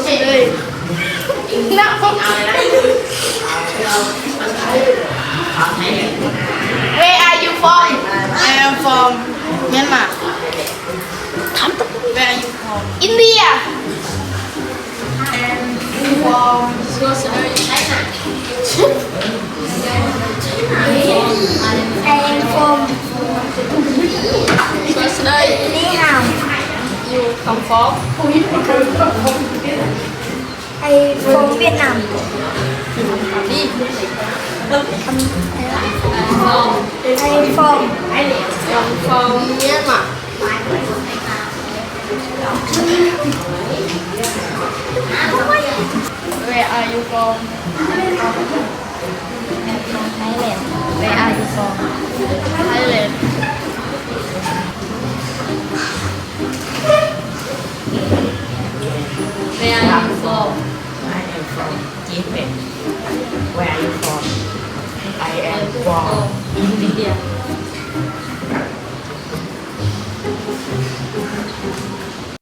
Đây. Where are you from? I am from Myanmar. Where are you from? India. From I am from Ni Hao. you come from? I from Vietnam. Đi. I from From Myanmar. Where are you from? Thailand. Where are you from? Thailand. Where are you from? I am from Japan. Where are you from? I am from India.